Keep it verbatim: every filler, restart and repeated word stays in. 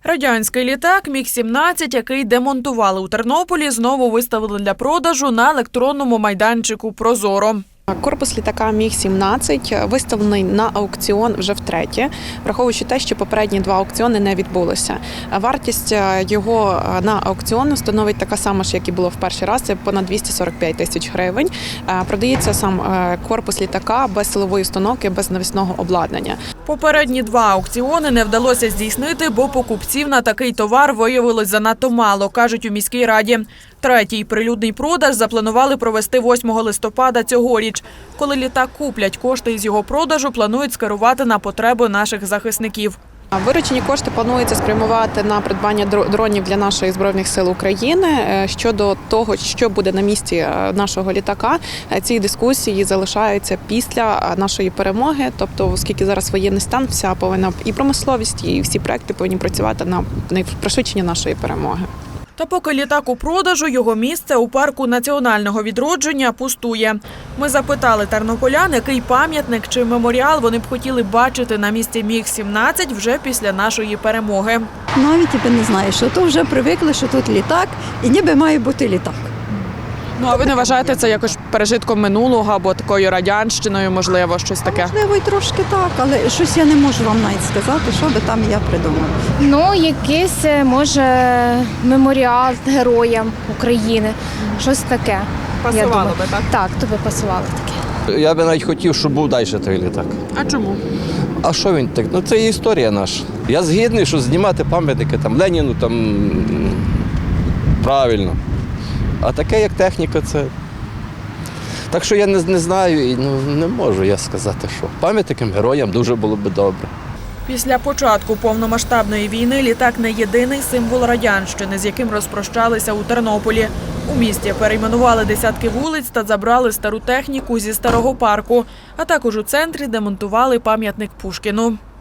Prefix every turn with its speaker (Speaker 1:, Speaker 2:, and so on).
Speaker 1: Радянський літак Міг сімнадцять, який демонтували у Тернополі, знову виставили для продажу на електронному майданчику «Прозоро».
Speaker 2: Корпус літака Міг сімнадцять виставлений на аукціон вже втретє, враховуючи те, що попередні два аукціони не відбулися. Вартість його на аукціон становить така сама ж, як і було в перший раз, це понад двісті сорок п'ять тисяч гривень. Продається сам корпус літака без силової установки, без навісного обладнання.
Speaker 1: Попередні два аукціони не вдалося здійснити, бо покупців на такий товар виявилось занадто мало, кажуть у міській раді. Третій прилюдний продаж запланували провести восьмого листопада цьогоріч. Коли літак куплять, кошти із його продажу планують скерувати на потреби наших захисників.
Speaker 2: Виручені кошти планується спрямувати на придбання дронів для наших Збройних сил України. Щодо того, що буде на місці нашого літака, ці дискусії залишаються після нашої перемоги. Тобто, оскільки зараз воєнний стан, вся повинна і промисловість, і всі проекти повинні працювати на пришвидшення нашої перемоги.
Speaker 1: Та поки літак у продажу, його місце у парку національного відродження пустує. Ми запитали тернополян, який пам'ятник чи меморіал вони б хотіли бачити на місці Міг сімнадцять вже після нашої перемоги.
Speaker 3: Навіть і не знаю, що то вже привикли, що тут літак, і ніби має бути літак.
Speaker 1: Ну, а ви не вважаєте це якось пережитком минулого або такою радянщиною, можливо, щось таке?
Speaker 3: Можливо, і трошки так, але щось я не можу вам навіть сказати, що би там я придумала.
Speaker 4: Ну, якийсь, може, меморіал героям України, щось таке.
Speaker 1: Пасувало би, так?
Speaker 4: Так, то би пасувало таке.
Speaker 5: Я би навіть хотів, щоб був далі той літак.
Speaker 1: А чому?
Speaker 5: А що він так? Ну це є історія наша. Я згідний, що знімати пам'ятники там Леніну, там правильно. А таке, як техніка, це. Так що я не, не знаю і ну, не можу я сказати, що пам'ятникам героям дуже було б добре.
Speaker 1: Після початку повномасштабної війни літак не єдиний символ радянщини, з яким розпрощалися у Тернополі. У місті перейменували десятки вулиць та забрали стару техніку зі старого парку, а також у центрі демонтували пам'ятник Пушкіну.